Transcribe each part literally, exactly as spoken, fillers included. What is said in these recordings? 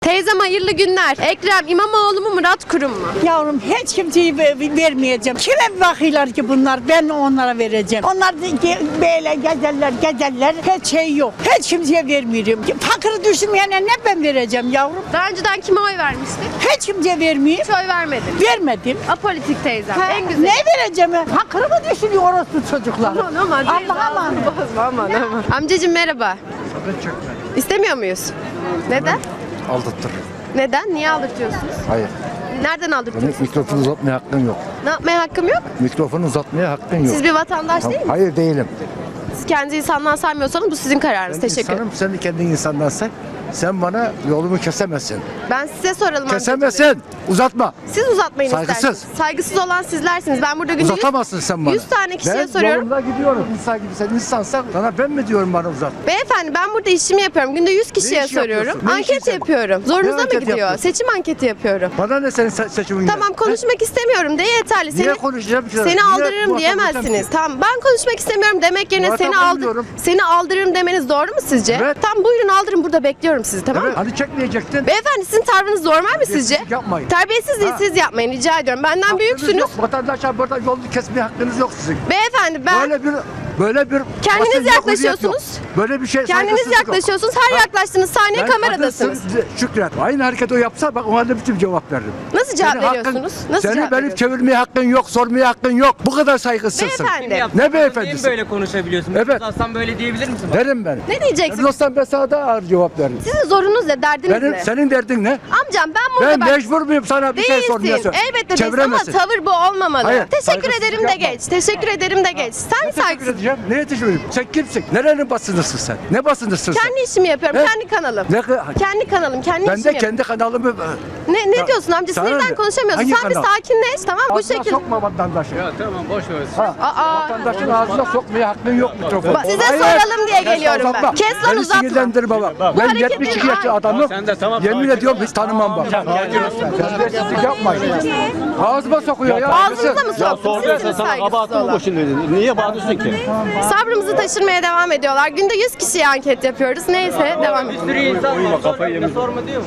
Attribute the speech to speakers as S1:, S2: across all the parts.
S1: Teyzem hayırlı günler. Ekrem İmamoğlu mu Murat Kurum mu?
S2: Yavrum hiç kimseyi ver- vermeyeceğim. Kime bakıyorlar ki bunlar? Ben onlara vereceğim. Onlar da ge- böyle gezerler gezerler. Hiç şey yok. Hiç kimseye vermiyorum. Fakiri düşünmeyene ne ben vereceğim yavrum?
S1: Daha önceden kime oy vermiştik?
S2: Hiç kimseye vermeyeyim.
S1: Hiç oy vermedim.
S2: Vermedim.
S1: Apolitik teyzem.
S2: Ha,
S1: En güzel.
S2: ne vereceğim? Fakiri mi düşünüyor orospu çocuklar?
S1: Aman aman.
S2: Allah aman.
S1: Bozma aman aman. Amcacığım merhaba.
S3: Sakın çekme.
S1: İstemiyor muyuz? Neden?
S3: Aldattır.
S1: Neden? Niye aldırtıyorsunuz?
S3: Hayır.
S1: Nereden
S3: Benim
S1: aldırtıyorsunuz?
S3: mikrofonu uzatmaya hakkın yok.
S1: Ne yapmaya hakkım yok?
S3: Mikrofonu uzatmaya hakkın yok.
S1: Siz bir vatandaş değil misiniz?
S3: Hayır değilim.
S1: Siz kendi insandan saymıyorsanız bu sizin kararınız.
S3: Ben
S1: Teşekkür ederim.
S3: insanım, sen de kendi insandan say. Sen bana yolumu kesemezsin.
S1: Ben size soralım amcacığım.
S3: Kesemezsin. Uzatma.
S1: Siz uzatmayın
S3: Saygısız.
S1: isterseniz. Saygısız olan sizlersiniz. Ben burada günde yüz,
S3: Uzatamazsın sen bana.
S1: yüz tane kişiye
S3: ben
S1: soruyorum.
S3: yolumda gidiyorum. İnsan gibi sen insansan sana ben mi diyorum bana uzat?
S1: Beyefendi ben burada işimi yapıyorum. Günde yüz kişiye
S3: iş
S1: soruyorum.
S3: yapıyorsun? Ne
S1: Anket
S3: işin sen?
S1: yapıyorum. Zorunuza
S3: Ne
S1: mı
S3: anket
S1: gidiyor?
S3: yapıyorsun?
S1: Seçim anketi yapıyorum.
S3: Bana ne senin se- seçimin?
S1: Tamam konuşmak istemiyorum de yeterli.
S3: Niye
S1: Seni,
S3: konuşacağım ki?
S1: seni
S3: Niye
S1: aldırırım
S3: muhatap
S1: diyemezsiniz.
S3: olacağım ki?
S1: Tamam ben konuşmak istemiyorum demek yerine
S3: Muhatap
S1: seni aldır
S3: olmuyorum.
S1: seni aldırırım demeniz doğru mu sizce?
S3: Evet.
S1: Tamam buyurun aldırın burada bekliyorum sizi tamam
S3: Evet,
S1: mı?
S3: hani çekmeyecektin.
S1: Beyefendi sizin tavrınız normal mi sizce?
S3: Terbiyesizlik yapmayın.
S1: Terbiyesizliği
S3: Ha.
S1: siz yapmayın rica ediyorum. Benden
S3: Hakkınız
S1: büyüksünüz.
S3: yok. Vatandaşa burada yolunu kesmeye hakkınız yok sizin.
S1: Beyefendi ben
S3: Böyle bir böyle bir
S1: Kendiniz
S3: basınca hürriyet
S1: yaklaşıyorsunuz.
S3: yok. Böyle bir şey
S1: kendiniz
S3: saygısızlık yok.
S1: yaklaşıyorsunuz. Her
S3: Ha.
S1: yaklaştığınız saniye
S3: Ben
S1: kameradasınız.
S3: kadınsın, Şükret. Aynı hareket o yapsa bak ona da bütün cevap veririm.
S1: Nasıl cevap
S3: Senin hakkın-
S1: veriyorsunuz? Nasıl
S3: Senin
S1: cevap
S3: benim
S1: veriyorsunuz?
S3: çevirmeye hakkın yok, sormaya hakkın yok. Bu kadar saygısızsın.
S1: Beyefendi.
S3: Ne beyefendisi?
S4: Niye böyle konuşabiliyorsun?
S3: Evet.
S4: Aslan böyle diyebilir misin? Bak?
S3: Derim ben.
S1: Ne diyeceksiniz?
S3: Dostum ben sana daha ağır cevap veririm.
S1: Sizin zorunuz ne? Derdiniz
S3: Benim,
S1: ne?
S3: senin derdin ne?
S1: Amcam ben burada
S3: Ben
S1: bak...
S3: mecbur muyum sana bir şey sormaya?
S1: Değilsin.
S3: sor-
S1: Elbette değilsin ama
S3: Çeviremezsin.
S1: tavır bu olmamalı.
S3: Hayır,
S1: Teşekkür
S3: saygısızlık
S1: ederim de
S3: yapma.
S1: geç. Teşekkür ederim de geç. Sen
S3: Ne teşekkür
S1: saygısın.
S3: edeceğim? Neye teşekkür edeyim? Sen kimsin? Nerenin basınısın sen? Ne basınısın sen?
S1: Kendi işimi yapıyorum.
S3: Ne?
S1: Kendi kanalım.
S3: Ne?
S1: Kendi kanalım. Kendi
S3: Ben
S1: işimi
S3: de
S1: yapıyorum.
S3: kendi kanalımı...
S1: Ne, ne
S3: Ya,
S1: diyorsun amca?
S3: sana
S1: Sinirden
S3: ne?
S1: konuşamıyorsun.
S3: Hangi
S1: Sen bir
S3: kanal?
S1: sakinleş tamam mı? Bu
S3: Ağzına
S1: şekilde.
S3: sokma vatandaşı.
S4: Ya tamam boş ver.
S3: Ha.
S1: Aa,
S3: Vatandaşın ağzına sokmaya hakkın yok mikrofonu.
S1: Bak, size soralım diye
S3: Sen
S1: geliyorum ben.
S3: uzatma.
S1: Kes lan,
S3: Beni
S1: uzatma.
S3: sinirlendirme bak. Ben
S1: hareketleri-
S3: yetmiş iki yaşlı
S1: Ay.
S3: adamım.
S4: Sen de tamam,
S3: Yemin
S4: sakin
S3: ediyorum hiç tanımam bak. Terbiyesizlik yapmayın. Ağzıma sokuyor ya.
S1: Ağzınıza mı soktum?
S5: Sorduysa
S1: Sizsiniz
S5: sana
S1: saygısız
S5: kabahatin mi
S1: olan.
S5: boşun dedin? Niye bağırıyorsun ki?
S1: Sabrımızı taşırmaya devam ediyorlar. Günde yüz kişiye anket yapıyoruz. Neyse devam edelim.
S4: Bir sürü insan var.
S5: kafayı yemiş.
S4: Sorma diyor mu?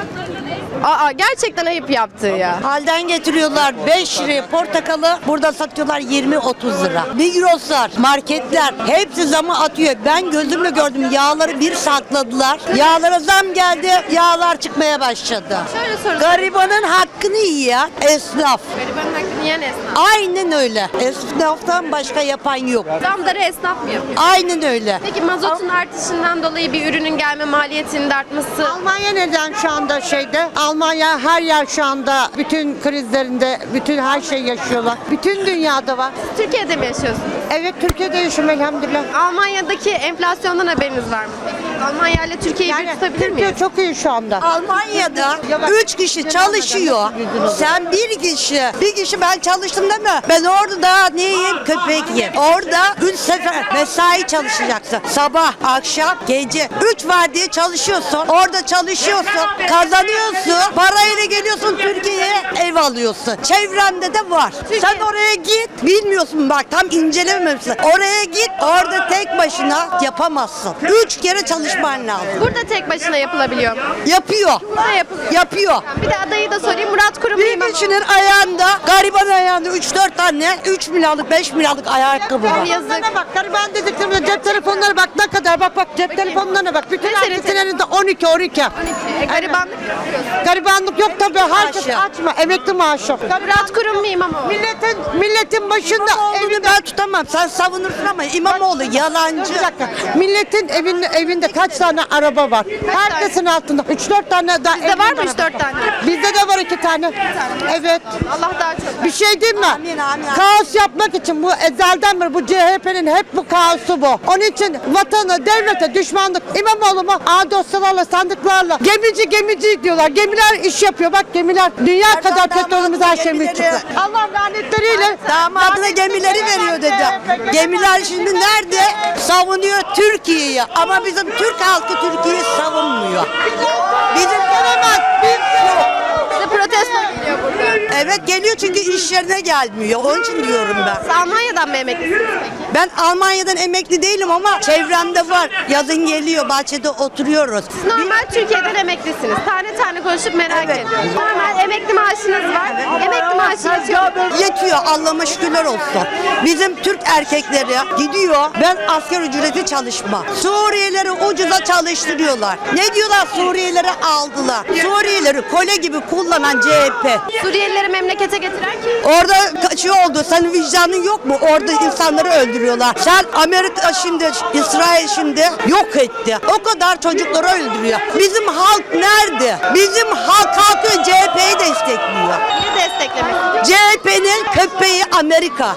S1: Aa gerçekten ayıp yaptığı ya.
S2: Halden getiriyorlar beş liraya portakalı, burada satıyorlar yirmi otuz lira. Migroslar, marketler hepsi zamı atıyor. Ben gözümle gördüm, yağları bir sakladılar. Yağlara zam geldi, yağlar çıkmaya başladı.
S1: Şöyle soru.
S2: Garibanın hakkını yiyen esnaf.
S1: Garibanın hakkını yiyen esnaf.
S2: Aynen öyle. Esnaftan başka yapan yok.
S1: Zamları esnaf mı yapıyor?
S2: Aynen öyle.
S1: Peki mazotun artışından dolayı bir ürünün gelme maliyetinin de artması
S6: Almanya neden şu anda şeyde? Almanya her yer şu anda bütün krizlerinde, bütün her şey yaşıyorlar. Bütün dünyada var.
S1: Türkiye'de mi yaşıyorsunuz?
S6: Evet Türkiye'de yaşıyorum elhamdülillah.
S1: Almanya'daki enflasyondan haberiniz var mı? Almanya ile Türkiye'yi bir tutabilir
S6: Türkiye
S1: miyiz?
S6: çok iyi şu anda.
S2: Almanya'da üç kişi çalışıyor. Sen bir kişi, bir kişi ben çalıştım değil mi? Ben orada ne yiyeyim? Köpek yiyeyim. Orada üç sefer mesai çalışacaksın. Sabah, akşam, gece. Üç var diye çalışıyorsun. Orada çalışıyorsun. Kazanıyorsun. Parayla geliyorsun Türkiye'ye ev alıyorsun. Çevrende de var. Sen oraya git. Bilmiyorsun bak tam incelememişsin. Oraya git. Orada tek başına yapamazsın. Üç kere çalışman lazım.
S1: Burada tek başına yapılabiliyor mu?
S2: Yapıyor.
S1: Ne yapılıyor?
S2: Yapıyor.
S1: Bir de adayı da sorayım. Murat Kurum mu
S2: Bir
S1: İmamoğlu?
S2: kişinin ayağında, gariban ayağında üç dört tane üç milyarlık beş milyarlık ayakkabı var.
S1: Yazık.
S6: Bana bak gariban dediklerimde cep telefonları bak ne kadar bak bak cep telefonlarına bak. Bütün
S1: Ne senin
S6: herkesin elinde on iki on iki.
S1: E, garibanlık yapıyorsun.
S6: Garibanlık yok tabii herkes
S2: Maaşı.
S6: açma emekli maaşı.
S1: Murat Kurum mu İmamoğlu?
S6: Milletin milletin başında
S2: Evini
S6: evinde
S2: ben tutamam. Sen savunursun ama İmamoğlu yalancı.
S6: Bir dakika. Milletin evinde, evinde kaç tane araba var? Herkesin altında. üç dört tane daha.
S1: Bizde var mı üç dört tane?
S6: Bizde de var iki tane. Evet.
S1: Allah daha çok.
S6: Bir şey diyeyim mi?
S2: Amin, amin, amin.
S6: Kaos yapmak için bu ezelden beri bu C H P'nin hep bu kaosu bu. Onun için vatanı, devlete düşmanlık. İmamoğlu mu? A dosyalarla, sandıklarla. Gemici gemici diyorlar. Gemiler iş yapıyor. Bak gemiler. Dünya
S2: Erdoğan
S6: kadar petrolümüz her
S2: damadına
S6: şeyimiz
S2: gemileri-
S6: çıktı. Allah lanetleriyle.
S2: Damadına gemileri veriyor dedi. Gemiler şimdi nerede? Savunuyor Türkiye'yi. Ama bizim Türk halkı Türkiye'yi savunmuyor. Bizim gelemez. Biz yok.
S1: Size protesto geliyor burada.
S2: Evet geliyor çünkü iş yerine gelmiyor. Onun için diyorum ben.
S1: Siz Almanya'dan mı emeklisiniz peki?
S2: Ben Almanya'dan emekli değilim ama çevremde var. Yazın geliyor, bahçede oturuyoruz.
S1: Siz normal Türkiye'den emeklisiniz. Tane tane konuşup merak
S2: Evet.
S1: ediyorum. Normal emekli maaşınız var. Emekli maaşı yetiyor mu?
S2: Yetiyor, Allah'ıma şükürler olsun. Bizim Türk erkekleri gidiyor, ben asgari ücreti çalışma. Suriyelileri ucuza çalıştırıyorlar. Ne diyorlar? Suriyelileri aldılar. Suriyelileri kole gibi kullanan C H P.
S1: Suriyelileri memlekete getiren kim?
S2: Orada kaçıyor oldu. Senin vicdanın yok mu? Orada insanları öldürüyorlar. Sen Amerika şimdi, İsrail şimdi yok etti. O kadar çocukları öldürüyor. Bizim halk nerede? Bizim halk kalkıyor C H P'yi destekliyor.
S1: Niye desteklemek istiyor?
S2: C H P'nin köpeği Amerika.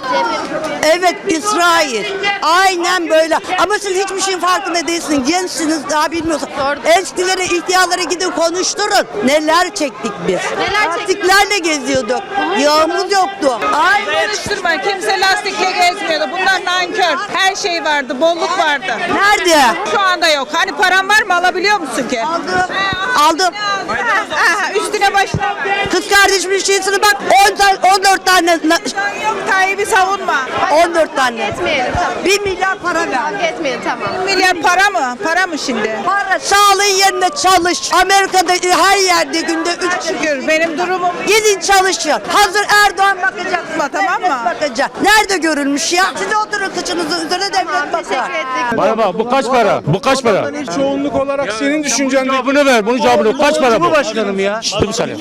S2: Evet, İsrail. Aynen böyle. Ama siz hiçbir şeyin farkında değilsiniz. Gençsiniz, daha bilmiyorsunuz.
S1: Doğru.
S2: Eskilere, ihtiyarlara gidin konuşturun. Neler çektik biz.
S1: Neler çektik?
S2: Lastiklerle geziyorduk. Yağımız yoktu. Aynen.
S7: Karıştırma. Kimse lastikle gezmiyordu. Bunlar nankör. Her şey vardı. Bolluk vardı.
S2: Nerede?
S7: Şu anda yok. Hani paran var mı? Alabiliyor musun ki?
S2: Aldım. Aldım.
S7: Ha, ha, üstüne başına.
S2: Kız kardeşimin şeysini bak on tane, on dört tane, na-
S7: Yok Tayyip'i savunma.
S2: on dört tane.
S1: Etmeyelim tamam.
S2: bir milyar para ver.
S1: Kavga etmeyelim tamam.
S7: Milyar para mı? Para mı şimdi?
S2: Para, sağlığın yerine çalış. Amerika'da her yerde günde üç
S7: Şükür benim durumum.
S2: gidin çalışın. Hazır Erdoğan bakacak.
S7: Tamam mı?
S2: Bakacak. Nerede görülmüş ya? Siz oturun kıçınızın üzerine devlet bakar.
S1: Teşekkür ettik.
S3: Bana bak bu kaç para? Bu kaç para?
S8: Çoğunluk olarak senin düşüncen
S3: Cevabını ver, bunun cevabını. Kaç para bu?
S5: Başkanım ya.
S3: Dur bir saniye.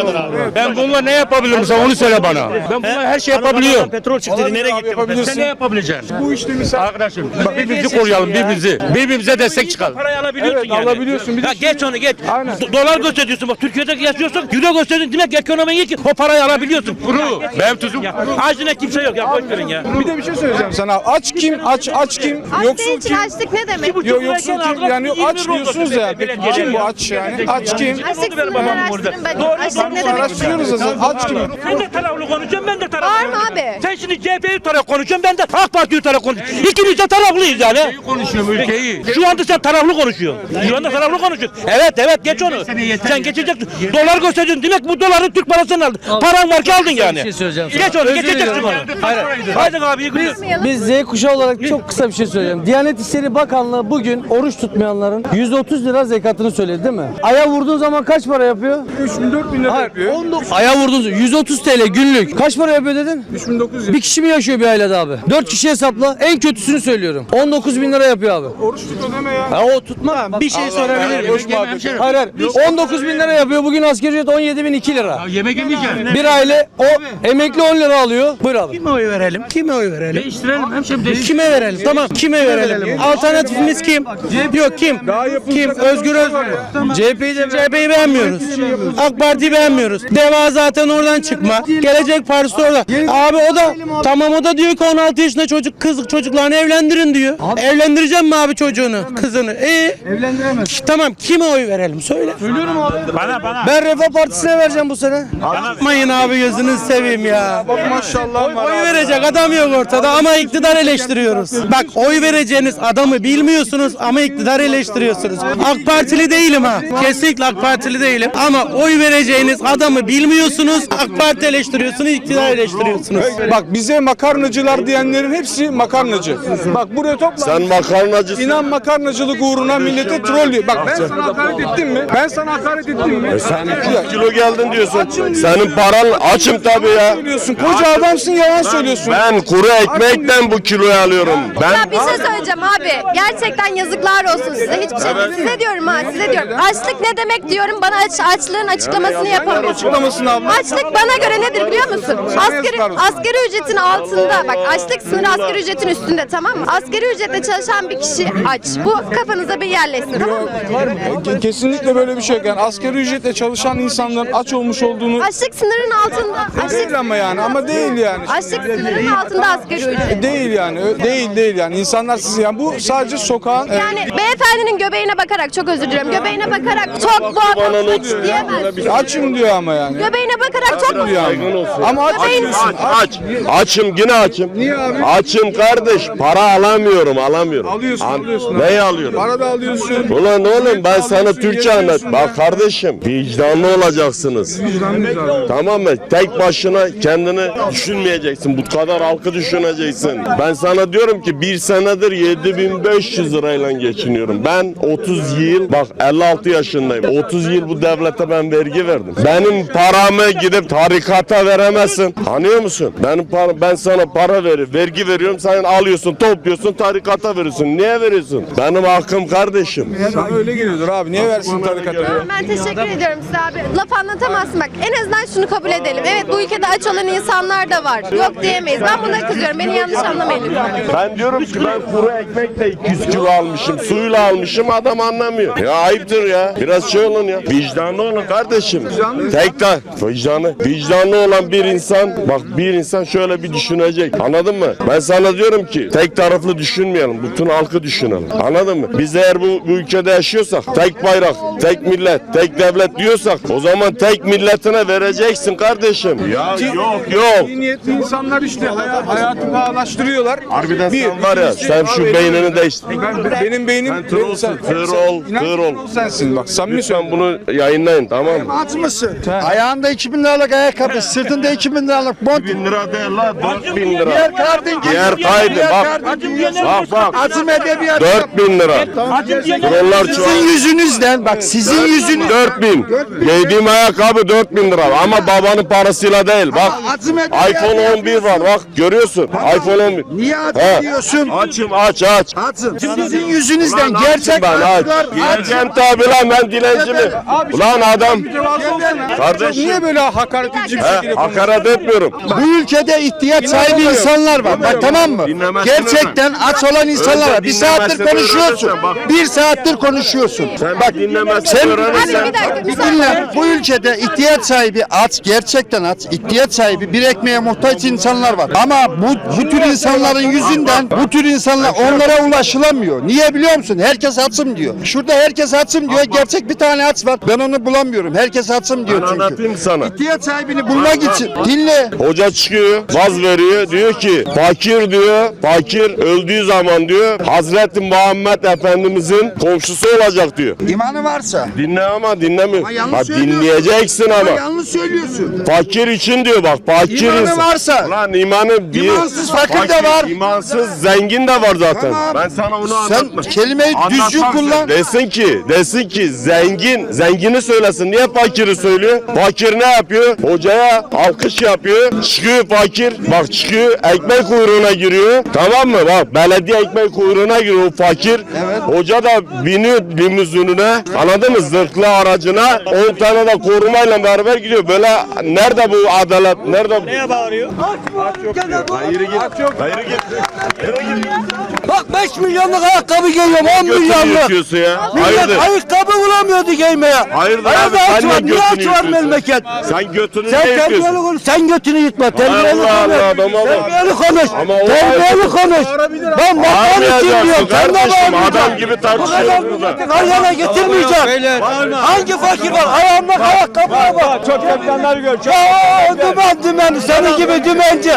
S3: Ben bununla ne yapabilirim sen onu söyle bana. Ben bununla her şey yapabiliyorum.
S5: Petrol çıktı. Nereye gitti?
S8: yapabilirsin.
S3: Sen ne yapabileceksin?
S8: Bu işte misal.
S3: Arkadaşım birbirimizi koruyalım birbirimizi. Birbirimize destek çıkalım.
S4: Parayı alabiliyorsun
S8: Evet,
S4: yani.
S8: alabiliyorsun. Bir de
S4: Ya geç onu geç.
S8: Aynen.
S4: Do- Dolar gösteriyorsun bak Türkiye'de yaşıyorsun. Euro gösteriyorsun demek ekonomi iyi ki o parayı alabiliyorsun.
S3: Kuru. Benim tuzum.
S4: Ağzına kimse yok ya boş verin ya.
S8: bir de bir şey söyleyeceğim sana. Aç kim? Aç aç kim?
S1: Aç
S8: Yoksul
S1: değil,
S8: kim?
S1: açlık ne demek?
S8: Yo, yoksul kim? Yani aç diyorsunuz ya. Peki kim bu aç yani? Aç kim?
S1: Açlık sınırını araştırın. Ben açlık ne demek?
S8: Araştırıyoruz zaten. Aç kim?
S4: Sen de taraflı konuşuyorsun ben de taraflı
S1: Var mı
S4: konuşuyorum.
S1: abi?
S4: Sen şimdi C H P'yi taraf konuşuyorsun ben de AK Parti'yi taraf konuşuyorum. İkimiz de taraflıyız yani.
S3: Konuşuyorum ülkeyi.
S4: Şu anda sen taraflı konuşuyorsun. Şu anda taraflı konuşuyorsun. Evet evet geç onu. Sen geçeceksin. Dolar gösteriyorsun. Demek bu doları Türk parasını aldın. Paran var ki aldın yani.
S9: şey söyleyeceğim sana.
S4: Geç onu
S9: Özür
S4: geçeceksin
S9: diliyorum.
S4: onu.
S9: Hayır.
S4: Haydi abi iyi günler.
S9: Biz Z kuşağı olarak çok kısa bir şey söyleyeceğim. Diyanet İşleri Bakanlığı bugün oruç tutmayanların yüzde otuz lira zekatını söyledi değil mi? Aya vurduğun zaman kaç para yapıyor?
S8: üç bin dört bin lira
S9: Hayır,
S8: yapıyor.
S9: on dokuz Aya vurduğun zaman yüz otuz TL günlük. Kaç para yapıyor dedin?
S8: üç bin dokuz yüz.
S9: Bir kişi mi yaşıyor bir ailede abi? dört kişi hesapla. En kötüsünü söylüyorum. on dokuz bin lira yapıyor abi.
S8: Oruç tut ödeme ya.
S9: Ha o tutma. Bir şey sorabilir miyim?
S8: Boş muhabbet.
S9: Hayır hayır. on dokuz bin lira yapıyor. Bugün asgari ücret on yedi bin iki lira.
S3: Yemek yemeyeceksin.
S9: Bir aile o emekli on lira alıyor. Buyur abi.
S5: Kime oy verelim? Kime oy verelim?
S4: Değiştirelim hemşerim değiştirelim.
S9: Kime verelim? Tamam. Kime verelim? Alternatifimiz kim? Yok kim? Kim? Özgür Özgür. C H P'yi de C H P'yi beğenmiyoruz. AK Parti'yi beğenmiyoruz. Deva zaten oradan çıkma. Gelecek Partisi orada. Abi o da tamam o da diyor ki on altı yaşında çocuk kız çocuklarını evlendirin diyor. Evlendireceğim mi abi çocuğunu, kızını? E
S8: Evlendiremez.
S9: tamam kime oy verelim söyle.
S8: Söylüyorum abi.
S4: Bana bana.
S9: Ben Refah Partisi'ne vereceğim bu sene. Yapmayın abi gözünü seveyim ya.
S8: Bak maşallah.
S9: Oy verecek adam yok ortada ama iktidar eleştiriyoruz. Bak oy vereceğiniz adamı bilmiyorsunuz ama iktidar eleştiriyorsunuz. AK Partili değilim ha. Kesinlikle AK Partili değilim ama oy vereceğiniz adamı bilmiyorsunuz. AK Parti eleştiriyorsunuz, iktidar eleştiriyorsunuz.
S8: Bak bize makarnacılar diyenlerin hepsi makarnacı. Bak buraya topla.
S10: Sen makarnacısın.
S8: İnan makarnacılık uğruna millete troll diyor. Bak ben sana hakaret ettim mi? Ben sana hakaret ettim mi?
S10: Sen iki kilo geldin diyorsun. Senin paran açım tabii ya.
S8: Söylüyorsun. Koca adamsın yalan söylüyorsun.
S10: Ben kuru ekmekten bu kiloyu alıyorum. Ben
S1: Ya bir şey söyleyeceğim abi. Gerçekten yazıklar olsun size. Hiçbir şey
S10: Evet.
S1: size diyorum ha size diyorum. Açlık ne demek diyorum bana aç, açlığın açıklamasını yapamıyorsun.
S8: Açıklamasını abla.
S1: Açlık bana göre nedir biliyor musun? Asgari,
S8: yazıklar olsun.
S1: asgari ücretin altında bak açlık sınırı asgari ücretin üstünde tamam mı? Asgari ücretle çalışan bir kişi aç. Bu kafanıza bir yerleşsin tamam mı?
S8: Ke- Kesinlikle böyle bir şey yok. Yani asgari ücretle çalışan insanların aç olmuş olduğunu
S1: Açlık sınırının altında. Açlık,
S8: değil ama yani ama değil yani.
S1: açlık sınırının altında asgari ücret.
S8: Değil yani. Ö- Değil değil yani. İnsanlar siz yani bu sadece sokağın e,
S1: Yani beyefendinin göbeğine bakarak çok özür diliyorum. Göbeğine bakarak çok bu adam aç diyemez.
S8: açım diyor ama. ama yani.
S1: Göbeğine bakarak çok mu?
S10: Saygın olsun.
S8: Ama aç
S1: Göbeğin-
S8: diyorsun.
S10: Aç, aç. Açım, yine açım.
S8: Niye abi?
S10: Açım kardeş. Para alamıyorum, alamıyorum.
S8: Alıyorsun,
S10: An-
S8: alıyorsun.
S10: Neyi alıyorum?
S8: Para da alıyorsun.
S10: Ulan oğlum ben sana
S8: Alıyorsun,
S10: Türkçe
S8: yemiyorsun
S10: anlat.
S8: ya.
S10: Bak kardeşim, vicdanlı olacaksınız.
S8: Vicdanlıyız abi.
S10: Tamam mı? Tek başına kendini düşünmeyeceksin. Bu kadar halkı düşüneceksin. Ben sana diyorum ki bir senedir yedi bin beş yüz lirayla geçiniyorum. Ben otuz yıl, bak elli altı yaşındayım. otuz yıl bu devlete ben vergi verdim. Benim paramı gidip tarikata veremezsin. Anlıyor musun? Benim para, ben sana para veriyorum, vergi veriyorum. Sen alıyorsun, topluyorsun, tarikata veriyorsun. Niye veriyorsun? Benim hakkım kardeşim.
S8: Sana öyle geliyordur abi. Niye versin tarikata?
S1: Ben teşekkür ediyorum size abi. Laf anlatamazsın bak. En azından şunu kabul edelim. Evet bu ülkede aç olan insanlar da var. Yok diyemeyiz. Ben buna kızıyorum. Beni yanlış anlamayın lütfen.
S10: Ben diyorum ki ben kuru ekmekle iki yüz kilo almışım, suyla almışım, adam anlamıyor. Ya ayıptır ya. Biraz şey olun ya. Vicdanlı olun kardeşim. Tek de vicdanı. Vicdanlı olan bir insan, bak bir insan şöyle bir düşünecek. Anladın mı? Ben sana diyorum ki tek taraflı düşünmeyelim. Bütün halkı düşünelim. Anladın mı? Biz eğer bu, bu ülkede yaşıyorsak, tek bayrak, tek millet, tek devlet diyorsak o zaman tek milletine vereceksin kardeşim. Ya yok yok.
S8: İyi niyetli insanlar işte hayat, hayatı pahalaştırıyorlar.
S10: Harbiden
S8: Bir,
S10: sen var ya,
S8: ikincisi-
S10: sen şu
S8: Abi,
S10: beynini değiştir.
S8: Ben, benim beynim...
S10: Sen trollsün,
S8: sen-
S10: troll,
S8: İnan ki
S10: troll.
S8: troll sensin bak samimi
S10: Lütfen
S8: söylüyorum.
S10: bunu yayınlayın, tamam mı?
S3: At mısın? Ayağında iki bin liralık ayakkabı, sırtında iki bin liralık mont.
S10: bin lira değil la, dört bin lira.
S3: Diğer kartın
S10: Diğer kaydı bak. Bak bak.
S3: Azim edebiyat.
S10: dört bin lira. Trollar
S3: Sizin
S10: çoğal.
S3: yüzünüzden bak sizin yüzünüz.
S10: dört bin. Giydiğim ayakkabı dört bin lira ama babanın parasıyla değil. Bak.
S3: Azim edebiyat
S10: iPhone on bir var bak görüyorsun. iPhone on bir.
S3: Niye at
S10: He.
S3: ediyorsun?
S10: Açım aç aç.
S3: Atsın. Sizin yüzünüzden
S10: Ulan
S3: gerçek
S10: açım ben aç.
S3: acılar
S10: Geleceğim tabi lan ben dilenci mi? Ulan adam. Kardeşim.
S8: Niye böyle hakaret edici bir
S10: He,
S8: şekilde konuşuyorsun?
S10: hakaret etmiyorum.
S3: Bu ülkede ihtiyaç sahibi insanlar var. Bak tamam mı?
S10: Dinlemezsin
S3: Gerçekten aç olan insanlar var. Bir
S10: Önce
S3: saattir
S10: dinlemezsin,
S3: konuşuyorsun.
S10: öğrenirsen bak.
S3: Bir saattir konuşuyorsun.
S10: Sen bak dinlemezsin
S3: Sen-
S10: öğrenirsen.
S1: Abi bir dakika bir
S3: Bir
S1: saniye.
S3: dinle. Bu ülkede ihtiyaç sahibi aç, gerçekten aç, ihtiyaç sahibi bir ekmeğe muhtaç insanlar var. Ama bu, bu tür insanların yüzünden bu tür insanlar onlara ulaşılamıyor. Niye biliyor musun? Herkes açım diyor. Şurada herkes açım diyor. Gerçek bir tane aç var. Ben onu bulamıyorum. Herkes açım diyor
S10: Ben
S3: çünkü.
S10: anlatayım sana.
S3: İhtiyaç sahibini bulmak için dinle.
S10: Hoca çıkıyor, vaz veriyor, diyor ki fakir diyor, fakir öldüğü zaman diyor Hazreti Muhammed Efendimizin komşusu olacak diyor.
S3: İmanı varsa.
S10: Dinle ama dinlemiyor.
S3: Ama yanlış
S10: Ha,
S3: söylüyorsun.
S10: dinleyeceksin
S3: Ama
S10: ama.
S3: yanlış söylüyorsun.
S10: Fakir için diyor bak, fakir
S3: İmanı
S10: insan.
S3: varsa.
S10: Lan imanı bir.
S3: İmansız fakir de var.
S10: İmansız zengin de var zaten.
S3: Tamam.
S10: Ben sana onu
S3: Sen
S10: anlatma.
S3: kelimeyi düzgün
S10: Anlatmam
S3: kullan.
S10: sen. Desin ki, desin ki zengin, zengini söylesin. Niye fakiri söylüyor? Fakir ne yapıyor? Hocaya alkış yapıyor. Çıkıyor fakir. Bak çıkıyor ekmek kuyruğuna giriyor. Tamam mı? Bak belediye ekmek kuyruğuna giriyor o fakir. Hoca da biniyor limuzinine. Anladın mı? Zırhlı aracına. on tane de korumayla beraber gidiyor. Böyle nerede bu adalet? Nerede bu? Neye bağırıyor? Hayır git. Hayır git.
S9: Bak beş milyonluk ayakkabı giyiyorum on
S10: Götünü
S9: milyonluk.
S10: yırtıyorsun ya.
S9: Millet
S10: Hayırdır?
S9: ayakkabı bulamıyordu giymeye.
S10: Hayırdır
S9: Nerede
S10: abi?
S9: aç
S10: Sen
S9: var?
S10: ne
S9: Niye aç
S10: götünü
S9: var
S10: yırtıyorsun?
S9: memleket?
S10: Sen götünü
S9: Sen
S10: ne
S9: terbiyeli
S10: yırtıyorsun?
S9: konuş. Sen götünü yırtma. Terbiyeli
S10: Allah
S9: konuş.
S10: Allah, adam adam.
S9: Terbiyeli konuş.
S10: Ama o
S9: Terbiyeli
S10: ayakkabı-
S9: konuş. Ben vatan için
S10: Bağırmayacaksın
S9: diyorum. Sen de
S10: kardeşim,
S9: bağırmayacaksın.
S10: adam gibi
S9: Bu kadar
S10: tartışıyorsunuz da.
S9: milleti kalyana getirmeyeceksin. Hangi fakir var? Ayağında ayakkabı var.
S8: Çok yapılanları gör.
S9: Ya dümen dümen. Senin gibi dümenci.